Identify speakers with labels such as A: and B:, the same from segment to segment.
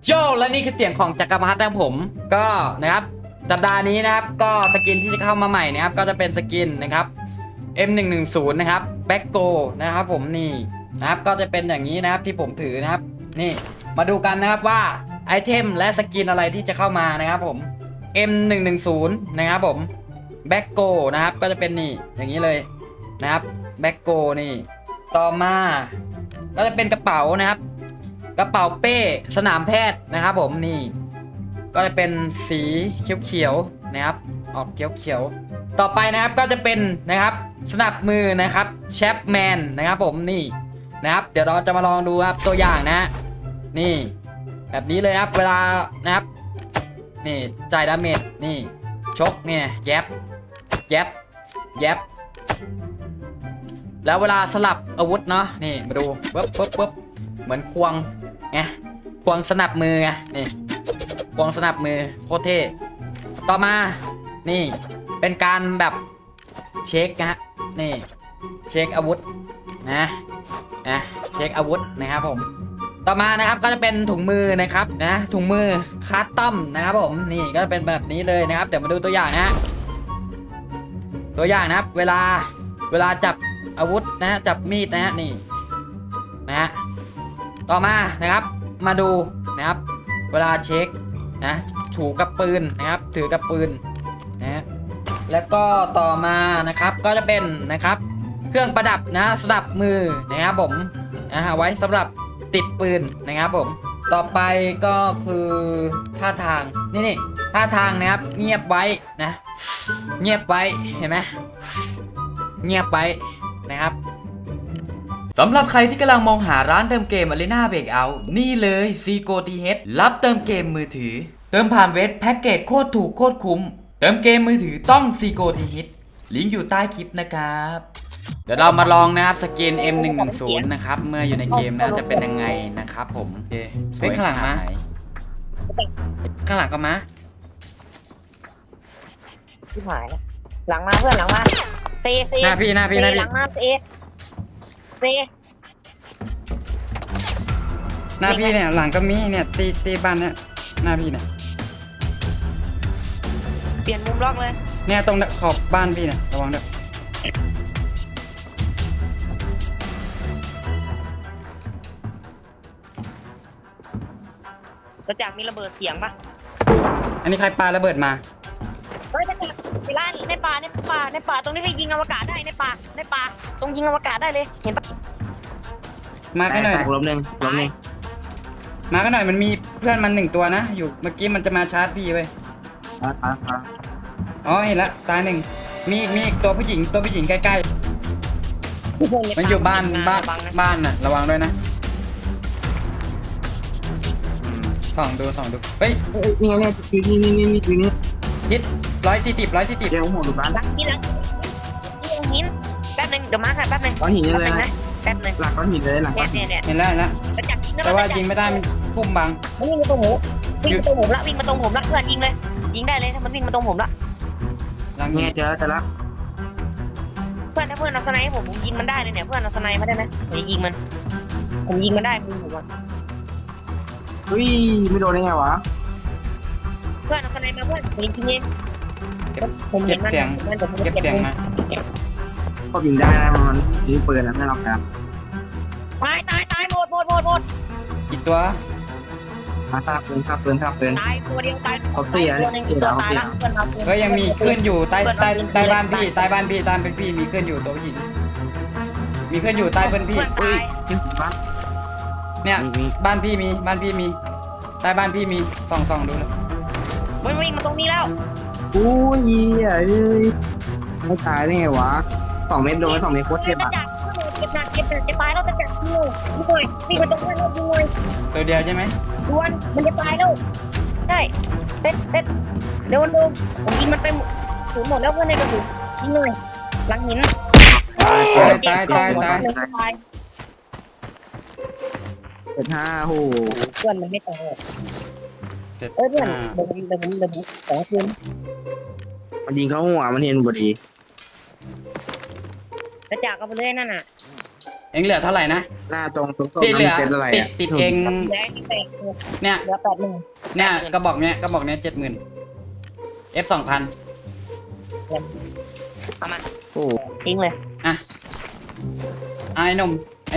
A: โจและนี่คือเสียงของจักรพรรดินะครับผมก็นะครับสัปดาห์นี้นะครับก็สกินที่จะเข้ามาใหม่นะครับก็จะเป็นสกินนะครับ M110 นะครับแบ็กโกนะครับผมนี่นะครับก็จะเป็นอย่างนี้นะครับที่ผมถือนะครับนี่มาดูกันนะครับว่าไอเทมและสกินอะไรที่จะเข้ามานะครับผม M110 นะครับผมแบ็กโกนะครับก็จะเป็นนี่อย่างนี้เลยนะครับแบ็กโกนี่ต่อมาก็จะเป็นกระเป๋านะครับกระเป๋าเป้สนามแพทย์นะครับผมนี่ก็จะเป็นสีเขียวๆนะครับออกเขียวๆต่อไปนะครับก็จะเป็นนะครับสนับมือนะครับแชปแมนนะครับผมนี่นะครับเดี๋ยวเราจะมาลองดูครับตัวอย่างนะนี่แบบนี้เลยครับเวลานะครับนี่จ่ายดาเมจนี่ชกเนี่ยแยบแยบแยบแล้วเวลาสลับอาวุธเนาะนี่มาดูปึ๊บเหมือนควงไงควงสนับมือไงนี่ควงสนับมือโคตรเท่ต่อมานี่เป็นการแบบเช็คนะฮะนี่เช็คอาวุธนะเช็คอาวุธนะครับผมต่อมานะครับก็จะเป็นถุงมือนะครับนะถุงมือคัสตอมนะครับผมนี่ก็เป็นแบบนี้เลยนะครับเดี๋ยวมาดูตัวอย่างนะตัวอย่างนะครับเวลาจับอาวุธนะฮะจับมีดนะฮะนี่นะฮะต่อมานะครับมาดูนะครับเวลาเช็คนะถูกับปืนนะครับถือกับปืนนะแล้วก็ต่อมานะครับก็จะเป็นนะครับเครื่องประดับนะสนับมือนะครับผมไว้สำหรับติดปืนนะครับผมต่อไปก็คือท่าทางนี่ท่าทางนะครับเงียบไว้นะเงียบไว้เห็นไหมเงียบไว้นะครับสำหรับใครที่กำลังมองหาร้านเติมเกม Arena Breakout นี่เลย Seago TH รับเติมเกมมือถือเติมผ่านเว็บแพ็กเกจโคตรถูกโคตรคุ้มเติมเกมมือถือต้อง Seago TH ลิงก์อยู่ใต้คลิปนะครับเดี๋ยวเรามาลองนะครับสกิน M110 นะครับเมื่ออยู่ในเกมนะจะเป็นยังไงนะครับผมโอเคเฮ้ยข้างหลังมาข้างหลังก็มา
B: ที่หายแล้วหลังมาเพื่อนหลังมาเซ
A: หน้าพี่
B: หลังมาเซ
A: หน้าพี่เนี่ยหลังก็มีเนี่ยตีบ้านเนี่ยหน้าพี่เนี่ย
B: เปลี่ยนมุมล็อกเลย
A: เนี่ยตรงขอบบ้านพี่เนี่ยระวังด้วย
B: กระจากมีระเบิดเสียงปะ
A: อันนี้ใครปาระเบิดมา
B: เฮ้ยกระจากเวลาในป่าตรงนี้ไปยิงอวกาศได้ในป่าตรงยิงอวกาศได้เลยเห็นปะ
A: มาแค่หน่อย
C: ล้มหนึ่ง
A: มาแค่หน่อยมันมีเพื่อนมัน1 ตัวนะอยู่เมื่อกี้มันจะมาชาร์จพี่เว้ยอ๋อเห็นละตาย1มีอีกตัวผู้หญิงใกล้ๆมันอยู่บ้านน่ะระวังด้วยนะส่องดูเฮ้ย
C: นี่นี่
A: ฮิต140
C: เดี๋ยวหัวดูบ้าน
B: หลังหินแป๊บนึงเดี๋ยวมาค่ะแป๊บนึง
C: ก้อนหินเลย
B: นะแป๊บนึง
C: หลังก้อนหินเลยหลังก้อนหิน
B: เนี่ย
A: เห็นแล้ว
B: กระจาก
A: แต่ว่ายิงไม่ได้มันพุ่มบัง
B: วิ่งมาตรงผมละเพื่อนยิงเลยยิงได้เลยถ้ามันวิ่งมาตรงผมละ
A: หลัง
C: เงี้
A: นี้
C: ยเจอแต่ละ
B: เพื่อนถ้าเพื่อนเอาสไนให้ผมยิงมันได้เลยเนี่ยเพื่อนเอาสไนมาได้ไหมเดี๋ยวยิงมันผมยิงมันได้มือผมอ่ะ
C: เฮ้ยไม่โดนได้ไงวะ
B: เพื่อนเอาสไนมาเพื่อนผมยิงเอง
A: เก็บเสียงมา
C: ก็บินได้นะมันยิงปืนนะไม่รับนะ
B: ตายหมด
A: อีกตัว
C: มาทราบปืน
B: ตายตัวเดียวตาย
C: เขาเสีย
B: ตัวนึงตัวตายละเพื่อนเรา
A: ก็ยังมีขึ้นอยู่ใต้บ้านพี่ใต้เป็นพี่มีขึ้นอยู่ตัวผู้หญิงมีขึ้นอยู่ใต้เป็นพี่
B: เพื่อนตาย
C: ยิงบ้าน
A: เนี่ยบ้านพี่มีใต้บ้านพี่มีส่องดูเลย
B: มันวิ่งมาตรงนี้แล้ว
C: อู้ยเอ้ยไม่ตายได้ไงวะ2 เมตรโดน2 เมตรโคตรเจ็บอ่ะ
B: เจ็บหนักจะตายแล้วจะจับงูด้วยวิ่งมาตรงเพื่อนเราด้วย
A: ตัวเดียวใช่ไหม
B: ดวนมันจะตายแล้วใช่เต็ดเร็วผมยิงมันไปสูญหมดแล้วเพื่อนในกระสุนยิงเลยหลังหิน
A: ตาย
C: เจ็ดห้าโห
B: เพื่อนมันไม่ตาย
A: เสร็จ
B: เพื่อนเดี๋ยวขอคืน
C: มันยิงเข้าหัวมันเห็นพอดี
B: กระจากเอาไปเลยนั่นน่ะ
A: เองเหลือเท่าไหร่นะ
C: หน้าตรงตรง
A: พี่เหลือ
C: เซ็ตอะไร
A: ติด
C: อ่ะ
A: ติดเอง
B: แดงที่แตก
A: เนี่ย
B: เหลือ80,000
A: เนี่ยกระบอกเนี้ย70,000 F 2,000
B: เอามา
C: โอ้
B: ทิ้งเลย
A: อ่ะไอ้หนุ่ม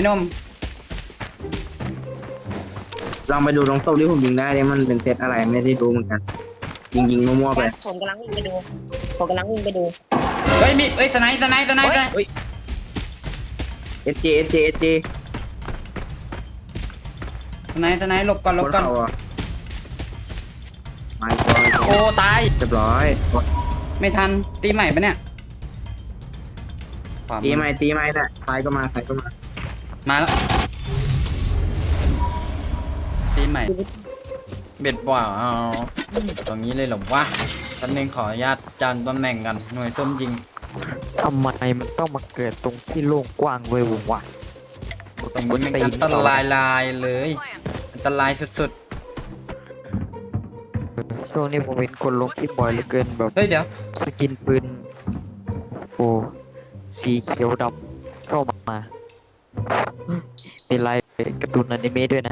C: ลองไปดูตรงโต๊ะที่ผมยิงได้เนี่ยมันเป็นเซตอะไรไม่ได้ดูเหมือนกันยิงมั่วๆไป
B: ผมกำลังวิ่งไปดู
A: เฮ้ยมีเฮ้ยสไนส์
C: เฮ้ยเอสเจ
A: สไนส์หลบก่อน
C: ไม่ก่อน
A: โอ้ตาย
C: เรียบร้อย
A: ไม่ทันตีใหม่ปะเนี่ยขวามือ
C: ตีใหม่นะซ้ายก็มา
A: มาแล้วตีใหม่เบ็ดบ่าเอาตรงนี้เลยเหรอวะฉันเองขออนุญาตจานตำแหน่งกันหน่วยส้มยิง
D: ทำไมมันต้องมาเกิดตรงที่โล่งกว้างเว้ยวะ
A: ตรงนี้มันอันตรายเลยอันตรายสุด
D: ช่วงนี้ผมเห็นคนลงคลิปบ่อยเหลือเกินแบบ
A: ๆเฮ้ยเดี๋ยว
D: สกินปืนโอ้สีเขียวดำเข้ามามีลายการ์ตูนอนิเมะด้วยนะ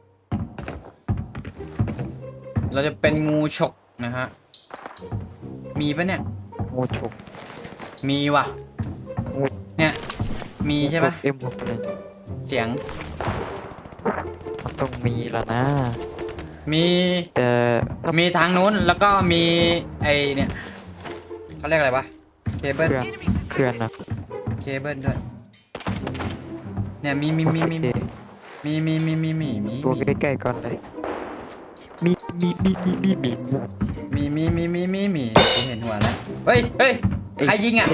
A: เราจะเป็นงูฉกนะฮะมีปะเนี่ย
D: งูฉก
A: มีว่ะเนี่ยมีใช่ปะ
D: เอ็มหกเลย
A: เสียง
D: มันต้องมีแล้วนะ
A: มี
D: แต่ถ้า
A: มีทางนู้นแล้วก็มีไอเนี่ยเขาเรียกอะไรวะเคเบิล
D: เคลื่อนนะ
A: เคเบิลด้วยเนี่ยมี
D: โอเค ตัวใกล้ๆก่อนเลยมี
A: กูเห็นหัวแล้วเฮ้ยใครยิงอ่ะ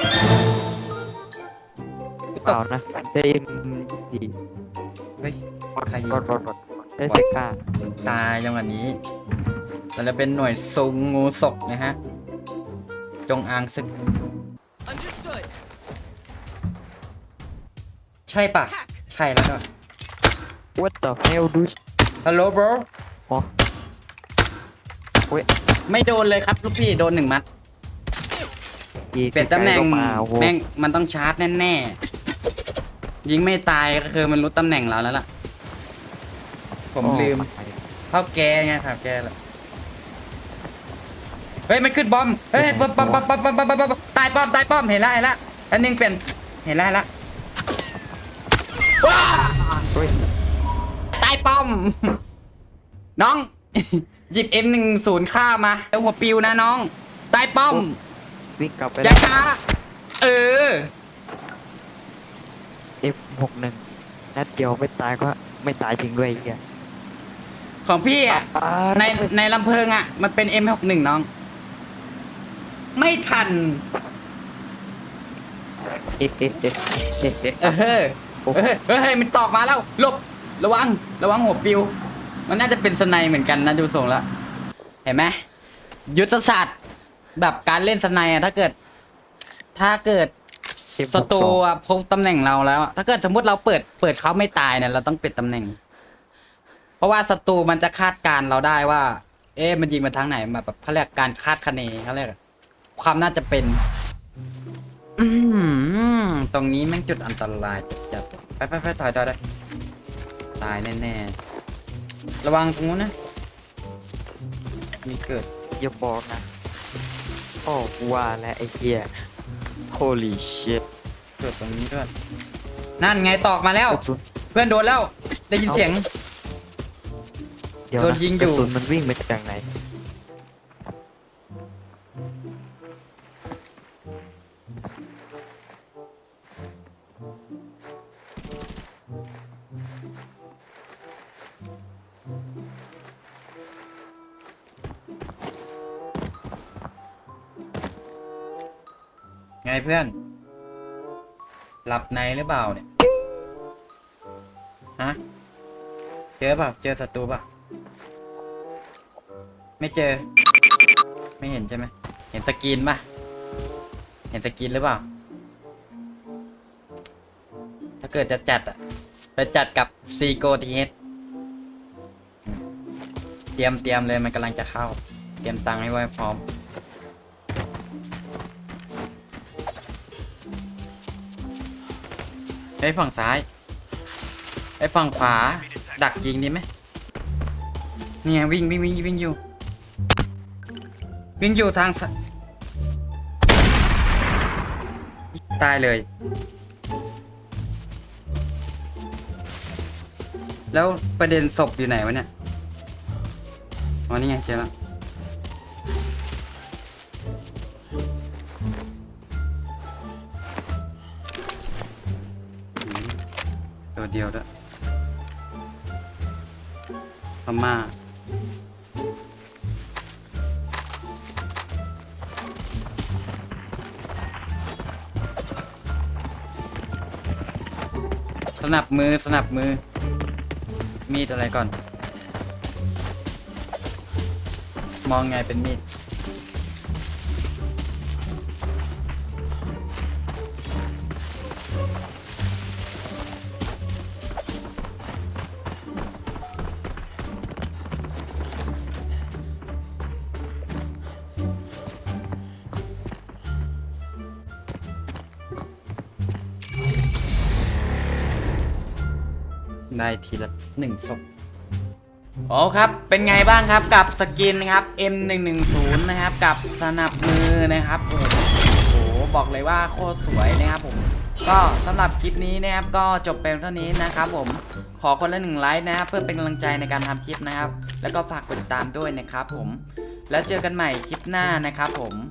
A: กูต
D: เปล่าก นะได้เอ็มดี
A: เฮ้ยใครยิง
D: รอดได้แต่กล้า
A: ตายจังหวะนี้เราจะเป็นหน่วยซุงงูศกนะฮะจงอางศึก
E: Understood.
A: ใช่ปะใช่แล้วก็
D: What the hell dude
A: ฮัลโหล bro
D: อ๋อเว้ย
A: ไม่โดนเลยครับลูกพี่โดน1 มัด
D: อีก
A: เปลี่ยนตำแหน่ง
D: ไกลๆก็มาโอ้โห
A: แม่งมันต้องชาร์จแน่ๆยิงไม่ตายก็คือมันรู้ตำแหน่งเราแล้วล่ะ ผมลืมเข้าแกไงครับแกแหละเฮ้ยมันขึ้นบอมเฮ้ยบอมตายป้อมเห็นแล้วอันนึงเป็นเห็นแล้ว
D: เฮ้ย
A: ตายป้อม น้อง หยิบ M10 ข้ามาแล้วหัวปิวนะน้องตายป้อม
D: วิ่งกลับไป
A: อย่าช้าเออ
D: F61 นัดเดียวไม่ตายก็ไม่ตายจริงด้วยไอ้เหี้ย
A: ของพี่อ่ะในลำเพลิงอ่ะมันเป็น M61 น้อง ไม่ทัน
D: เอ๊ะ
A: เฮ้ยมันตอกมาแล้วหลบระวังหัวปิว มันน่าจะเป็นสไนเหมือนกันนะดูทรงแล้วเห็นไหมยุทธศาสตร์แบบการเล่นสไนอะถ้าเกิดศัตรูอะพบตำแหน่งเราแล้วอะถ้าเกิดสมมติเราเปิดเขาไม่ตายเนี่ยเราต้องปิดตำแหน่ง เพราะว่าศัตรูมันจะคาดการณ์เราได้ว่า มันยิงมาทางไหนแบบเขาเรียกการคาดคะเนเขาเรียกความน่าจะเป็น ตรงนี้แม่งจุดอันตรายจัดไปถอยได้ตายแน่ๆระวังตรงนู้นนะมีเกิด
D: อย่าบอกนะโอ้ว่าแล้วไอ้เหี้ย holy shit
A: เกิดตรงนี้ด้วยนั่นไงตอกมาแล้ว
D: กระสุน
A: เพื่อนโดนแล้ว ได้ยินเสียง
D: เดี๋ยว
A: โดน
D: นะ
A: ยิงอยู่
D: กระสุนมันวิ่งมาจากไหน
A: ไงเพื่อน หลับในหรือเปล่าเนี่ยฮะเจอเปล่าเจอศัตรูเปล่าไม่เจอ ไม่เห็นใช่ไหมเห็นสกรีนป่ะเห็นสกรีนหรือเปล่า ถ้าเกิดจะจัดอะไปจัดกับซีโกทีเฮดเตรียมเลยมันกำลังจะเข้า เตรียมตังค์ให้ไว้พร้อม เฮ้ยฝั่งซ้ายไอ้ฝั่งขวาดักยิงดีไหมเนี่ยวิ่งอยู่วิ่งอยู่ทางตายเลย แล้วประเด็นศพอยู่ไหนวะเนี่ยอ๋อนี่ไงเจอแล้วตัวเดียวด้วยพม่าสนับมือมีดอะไรก่อน มองไงเป็นมีดได้ทีละ1 ศพโอ้ครับ เป็นไงบ้างครับกับสกินนะครับ M110 นะครับกับสนับมือนะครับโอ้โหบอกเลยว่าโคตรสวยนะครับผมก็สำหรับคลิปนี้นะครับก็จบเป็นเท่านี้นะครับผมขอคนละ1 ไลค์นะครับเพื่อเป็นกำลังใจในการทำคลิปนะครับแล้วก็ฝากกดติดตามด้วยนะครับผมแล้วเจอกันใหม่คลิปหน้านะครับผม